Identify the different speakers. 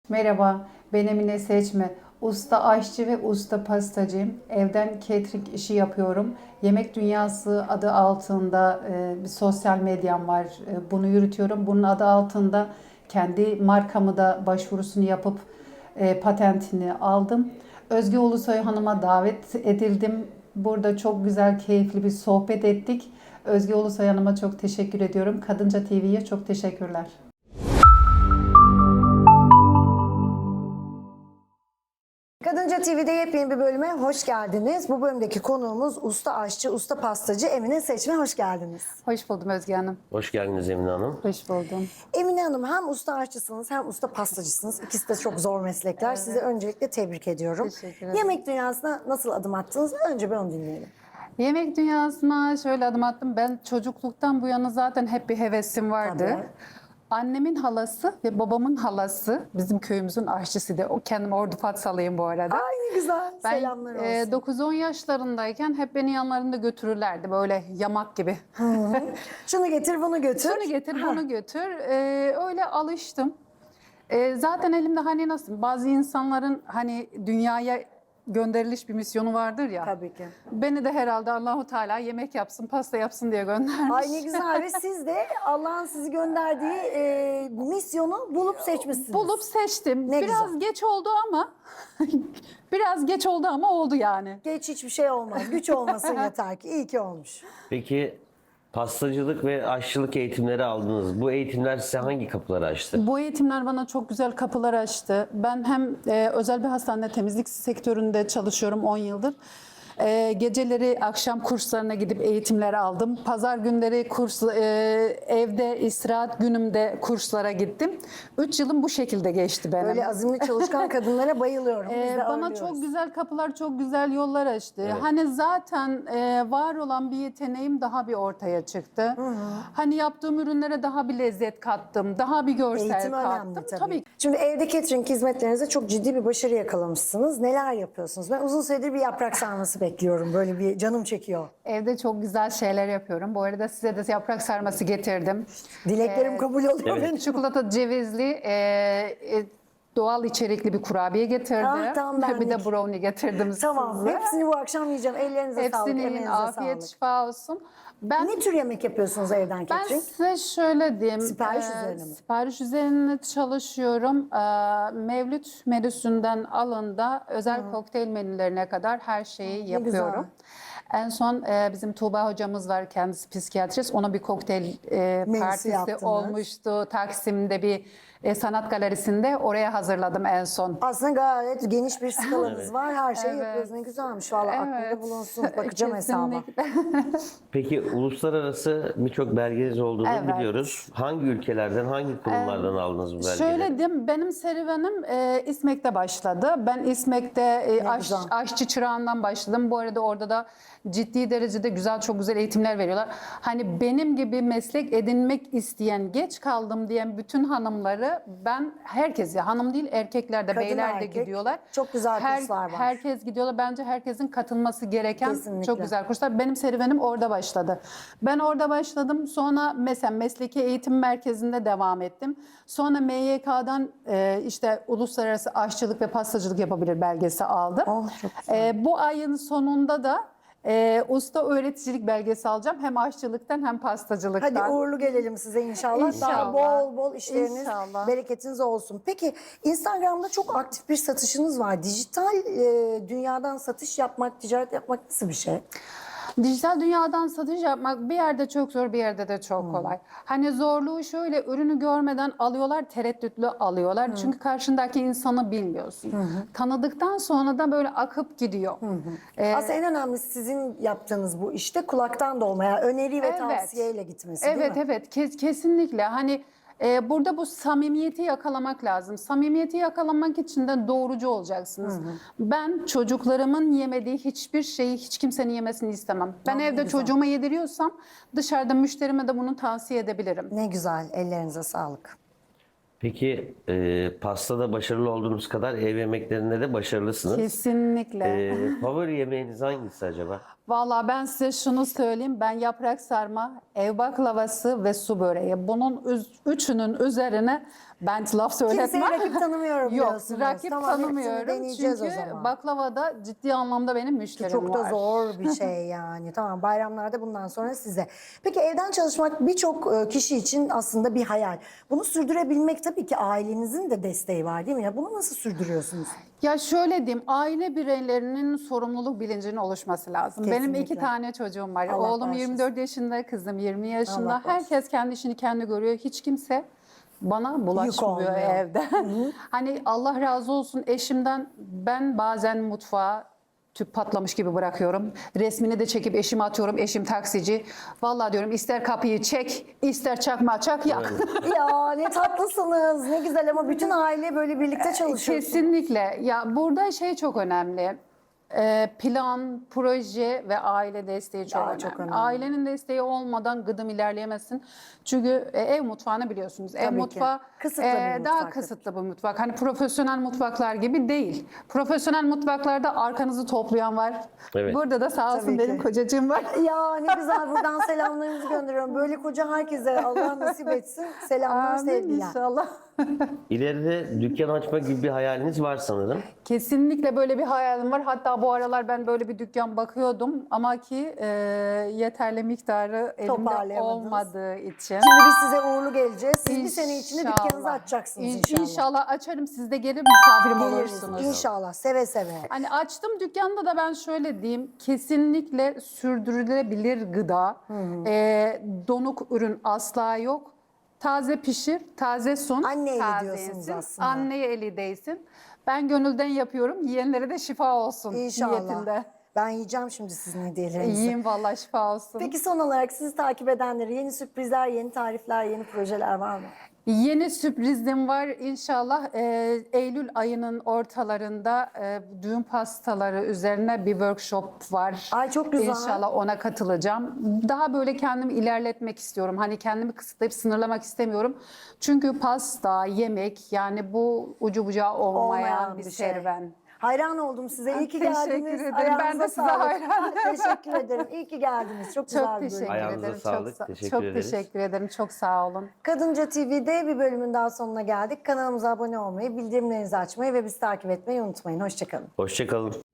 Speaker 1: Merhaba, ben Emine Seçme. Usta aşçı ve usta pastacıyım. Evden catering işi yapıyorum. Yemek Dünyası adı altında bir sosyal medyam var. Bunu yürütüyorum. Bunun adı altında kendi markamı da başvurusunu yapıp patentini aldım. Özge Ulusoy Hanım'a davet edildim. Burada çok güzel, keyifli bir sohbet ettik. Özge Ulusoy Hanım'a çok teşekkür ediyorum. Kadınca TV'ye çok teşekkürler.
Speaker 2: Kadınca TV'de yepyeni bir bölüme hoş geldiniz. Bu bölümdeki konuğumuz usta aşçı, usta pastacı Emine Seçme. Hoş geldiniz.
Speaker 1: Hoş buldum Özge Hanım.
Speaker 3: Hoş geldiniz Emine Hanım.
Speaker 1: Hoş buldum.
Speaker 2: Emine Hanım hem usta aşçısınız hem usta pastacısınız. İkisi de çok zor meslekler. Sizi öncelikle tebrik ediyorum.
Speaker 1: Teşekkür ederim.
Speaker 2: Yemek dünyasına nasıl adım attınız? Önce bir onu dinleyelim.
Speaker 1: Yemek dünyasına şöyle adım attım. Ben çocukluktan bu yana zaten hep bir hevesim vardı.
Speaker 2: Tabii.
Speaker 1: Annemin halası ve babamın halası bizim köyümüzün aşçısıydı. O kendim Ordu Fatsalıyım bu arada.
Speaker 2: Ay ne güzel.
Speaker 1: Ben
Speaker 2: Selamlar olsun.
Speaker 1: 9-10 yaşlarındayken hep beni yanlarında götürürlerdi böyle yamak gibi.
Speaker 2: Şunu getir, bunu götür.
Speaker 1: Şunu getir, bunu götür. Öyle alıştım. Zaten elimde hani nasıl bazı insanların hani dünyaya gönderiliş bir misyonu vardır ya.
Speaker 2: Tabii ki.
Speaker 1: Beni de herhalde Allahu Teala yemek yapsın, pasta yapsın diye göndermiş.
Speaker 2: Ay ne güzel ve siz de Allah'ın sizi gönderdiği misyonu bulup seçmişsiniz.
Speaker 1: Bulup seçtim.
Speaker 2: Ne
Speaker 1: biraz
Speaker 2: güzel.
Speaker 1: geç oldu ama biraz geç oldu ama oldu yani.
Speaker 2: Geç hiçbir şey olmaz. Güç olmasın yeter ki. İyi ki olmuş.
Speaker 3: Peki pastacılık ve aşçılık eğitimleri aldınız. Bu eğitimler size hangi kapıları açtı?
Speaker 1: Bu eğitimler bana çok güzel kapılar açtı. Ben hem özel bir hastanede temizlik sektöründe çalışıyorum 10 yıldır. Geceleri akşam kurslarına gidip eğitimler aldım. Pazar günleri evde istirahat günümde kurslara gittim. 3 yılım bu şekilde geçti benim.
Speaker 2: Böyle azimli çalışkan kadınlara bayılıyorum. Biz de
Speaker 1: Bana
Speaker 2: ağırlıyoruz.
Speaker 1: çok güzel kapılar, çok güzel yollar açtı. Hani zaten var olan bir yeteneğim daha bir ortaya çıktı. Hani yaptığım ürünlere daha bir lezzet kattım, daha bir görsel
Speaker 2: Eğitim
Speaker 1: kattım.
Speaker 2: önemli tabii. Şimdi evde catering hizmetlerinizde çok ciddi bir başarı yakalamışsınız. Neler yapıyorsunuz? Ben uzun süredir bir yaprak sarması bekliyorum. Böyle bir canım çekiyor.
Speaker 1: Evde çok güzel şeyler yapıyorum. Bu arada size de yaprak sarması getirdim.
Speaker 2: Dileklerim kabul oluyor benim.
Speaker 1: Çikolata cevizli, doğal içerikli bir kurabiye getirdim.
Speaker 2: Ah, tam benlik.
Speaker 1: Bir de brownie getirdim
Speaker 2: Tamam.
Speaker 1: size.
Speaker 2: Hepsini bu akşam yiyeceğim. Ellerinize sağlık,
Speaker 1: Hepsinin
Speaker 2: emeğinize
Speaker 1: afiyet
Speaker 2: sağlık.
Speaker 1: şifa olsun. Ben
Speaker 2: Ne tür yemek yapıyorsunuz evden
Speaker 1: Ben
Speaker 2: catering?
Speaker 1: size şöyle diyeyim.
Speaker 2: Sipariş üzerine mi?
Speaker 1: Sipariş üzerine çalışıyorum. Mevlüt menüsünden alın da özel kokteyl menülerine kadar her şeyi yapıyorum. En son bizim Tuğba hocamız var, kendisi psikiyatrist. Ona bir kokteyl partisi
Speaker 2: yaptınız.
Speaker 1: olmuştu. Taksim'de bir sanat galerisinde. Oraya hazırladım en son.
Speaker 2: Aslında gayet geniş bir skalanız var. Her şeyi
Speaker 1: Evet.
Speaker 2: yapıyorsunuz. Ne güzelmiş. Valla aklımda
Speaker 1: Evet.
Speaker 2: bulunsun. Bakacağım hesaba.
Speaker 1: Kesinlikle.
Speaker 3: Peki uluslararası birçok belgeniz olduğunu
Speaker 1: Evet.
Speaker 3: biliyoruz. Hangi ülkelerden, hangi kurumlardan aldınız bu belgeleri?
Speaker 1: Şöyle diyeyim, benim serüvenim İSMEK'te başladı. Ben İSMEK'te
Speaker 2: güzel.
Speaker 1: aşçı çırağından başladım. Bu arada orada da ciddi derecede güzel, çok güzel eğitimler veriyorlar. Hani benim gibi meslek edinmek isteyen, geç kaldım diyen bütün hanımları ben herkese, hanım değil erkekler de,
Speaker 2: Kadın,
Speaker 1: beyler de
Speaker 2: erkek,
Speaker 1: gidiyorlar.
Speaker 2: çok güzel kurslar var.
Speaker 1: Herkes gidiyorlar. Bence herkesin katılması gereken
Speaker 2: Kesinlikle.
Speaker 1: çok güzel kurslar. Benim serüvenim orada başladı. Ben orada başladım. Sonra mesela Mesleki Eğitim Merkezi'nde devam ettim. Sonra MYK'dan işte Uluslararası Aşçılık ve Pastacılık Yapabilir belgesi aldım.
Speaker 2: Oh, çok güzel.
Speaker 1: Bu ayın sonunda da usta öğreticilik belgesi alacağım. Hem aşçılıktan hem pastacılıktan.
Speaker 2: Hadi uğurlu gelelim size inşallah. Daha
Speaker 1: İnşallah.
Speaker 2: bol bol işleriniz,
Speaker 1: İnşallah.
Speaker 2: bereketiniz olsun. Peki Instagram'da çok aktif bir satışınız var. Dijital dünyadan satış yapmak, ticaret yapmak nasıl bir şey?
Speaker 1: Dijital dünyadan satış yapmak bir yerde çok zor, bir yerde de çok kolay. Hani zorluğu şöyle, ürünü görmeden alıyorlar, tereddütlü alıyorlar. Çünkü karşındaki insanı bilmiyorsun. Tanıdıktan sonra da böyle akıp gidiyor.
Speaker 2: Aslında en önemlisi sizin yaptığınız bu işte kulaktan dolmaya, öneri ve
Speaker 1: Evet.
Speaker 2: tavsiyeyle gitmesi değil
Speaker 1: Evet,
Speaker 2: mi?
Speaker 1: evet, kesinlikle. Hani burada bu samimiyeti yakalamak lazım. Samimiyeti yakalamak için de doğrucu olacaksınız. Ben çocuklarımın yemediği hiçbir şeyi hiç kimsenin yemesini istemem. Ben
Speaker 2: Ne
Speaker 1: evde
Speaker 2: güzel.
Speaker 1: çocuğuma yediriyorsam dışarıda müşterime de bunu tavsiye edebilirim.
Speaker 2: Ne güzel, ellerinize sağlık.
Speaker 3: Peki pastada başarılı olduğunuz kadar ev yemeklerinde de başarılısınız.
Speaker 1: Kesinlikle.
Speaker 3: Favori yemeğiniz hangisi acaba?
Speaker 1: Valla ben size şunu söyleyeyim. Ben yaprak sarma, ev baklavası ve su böreği. Bunun üçünün üzerine ben laf söyletmem.
Speaker 2: Kimseye rakip tanımıyorum
Speaker 1: Yok,
Speaker 2: diyorsunuz.
Speaker 1: rakip
Speaker 2: Tamam, hepsini
Speaker 1: tanımıyorum.
Speaker 2: deneyeceğiz
Speaker 1: Çünkü
Speaker 2: o zaman.
Speaker 1: baklavada ciddi anlamda benim müşterim
Speaker 2: Çok da
Speaker 1: var.
Speaker 2: zor bir şey yani. Tamam, bayramlarda bundan sonra size. Peki evden çalışmak birçok kişi için aslında bir hayal. Bunu sürdürebilmek tabii ki ailenizin de desteği var değil mi? Ya bunu nasıl sürdürüyorsunuz?
Speaker 1: Ya şöyle diyeyim, aile bireylerinin sorumluluk bilincinin oluşması lazım. Benim
Speaker 2: Kesinlikle.
Speaker 1: 2 tane çocuğum var.
Speaker 2: Allah
Speaker 1: Oğlum
Speaker 2: bağışlasın.
Speaker 1: 24 yaşında, kızım 20 yaşında.
Speaker 2: Allah bağışlasın.
Speaker 1: Herkes kendi işini kendi görüyor. Hiç kimse bana bulaşmıyor
Speaker 2: olmuyor.
Speaker 1: evde. Hani Allah razı olsun eşimden, ben bazen mutfağa tüp patlamış gibi bırakıyorum. Resmini de çekip eşime atıyorum. Eşim taksici. Vallahi diyorum, ister kapıyı çek, ister çakmağı çak yak.
Speaker 2: Ya ne tatlısınız, ne güzel ama bütün aile böyle birlikte çalışıyor.
Speaker 1: Kesinlikle. Ya burada şey çok önemli. Plan, proje ve aile desteği çok
Speaker 2: Aa,
Speaker 1: önemli.
Speaker 2: çok önemli.
Speaker 1: Ailenin desteği olmadan gıdım ilerleyemezsin. Çünkü ev mutfağını biliyorsunuz. Ev
Speaker 2: Tabii ki.
Speaker 1: mutfağı
Speaker 2: Kısıtlı bir
Speaker 1: daha
Speaker 2: mutfak.
Speaker 1: kısıtlı bir mutfak. Hani profesyonel mutfaklar gibi değil. Profesyonel mutfaklarda arkanızı toplayan var.
Speaker 3: Evet.
Speaker 1: Burada da sağ olsun
Speaker 2: Tabii
Speaker 1: benim
Speaker 2: ki.
Speaker 1: kocacığım var.
Speaker 2: Ya ne güzel, buradan selamlarımızı gönderiyorum. Böyle koca herkese Allah nasip etsin. Selamlar,
Speaker 1: Amin
Speaker 2: sevgiler.
Speaker 1: inşallah.
Speaker 3: İleride dükkan açma gibi bir hayaliniz var sanırım.
Speaker 1: Kesinlikle böyle bir hayalim var. Hatta bu aralar ben böyle bir dükkan bakıyordum ama ki yeterli miktarı elimde
Speaker 2: Toparlayamadınız.
Speaker 1: olmadığı için.
Speaker 2: Şimdi biz size uğurlu geleceğiz. Siz bir sene içinde dükkanınızı açacaksınız inşallah.
Speaker 1: İnşallah açarım. Siz de gelip misafirim
Speaker 2: Geliriz
Speaker 1: olursunuz.
Speaker 2: inşallah, seve seve.
Speaker 1: Hani açtım dükkanda da ben şöyle diyeyim. Kesinlikle sürdürülebilir gıda. Donuk ürün asla yok. Taze pişir, taze sun,
Speaker 2: Anne eli
Speaker 1: taze
Speaker 2: diyorsunuz
Speaker 1: yensin.
Speaker 2: aslında.
Speaker 1: Anneye eli değsin. Ben gönülden yapıyorum. Yiyenlere de şifa olsun
Speaker 2: İnşallah.
Speaker 1: niyetinde.
Speaker 2: Ben yiyeceğim şimdi sizin hediyelerinizi.
Speaker 1: Yiyeyim vallahi, şifa olsun.
Speaker 2: Peki son olarak sizi takip edenlere yeni sürprizler, yeni tarifler, yeni projeler var mı?
Speaker 1: Yeni sürprizim var inşallah. Eylül ayının ortalarında düğün pastaları üzerine bir workshop var.
Speaker 2: Ay çok güzel.
Speaker 1: İnşallah ona katılacağım. Daha böyle kendimi ilerletmek istiyorum. Hani kendimi kısıtlayıp sınırlamak istemiyorum. Çünkü pasta, yemek, yani bu ucu bucağı olmayan bir
Speaker 2: şey.
Speaker 1: serüven.
Speaker 2: Hayran oldum size. İyi ki
Speaker 1: Teşekkür
Speaker 2: geldiniz.
Speaker 1: ederim.
Speaker 2: Ayağınıza
Speaker 1: Ben de size
Speaker 2: sağlık.
Speaker 1: hayranım.
Speaker 2: Teşekkür ederim. İyi ki geldiniz. Çok güzel
Speaker 1: Çok
Speaker 2: bir bölüm.
Speaker 1: teşekkür
Speaker 3: Ayağınıza
Speaker 1: ederim.
Speaker 3: sağlık.
Speaker 1: Çok,
Speaker 3: Teşekkür
Speaker 1: çok
Speaker 3: ederiz.
Speaker 1: teşekkür ederim. Çok sağ olun.
Speaker 2: Kadınca TV'de bir bölümün daha sonuna geldik. Kanalımıza abone olmayı, bildirimlerinizi açmayı ve bizi takip etmeyi unutmayın. Hoşçakalın.
Speaker 3: Hoşça kalın.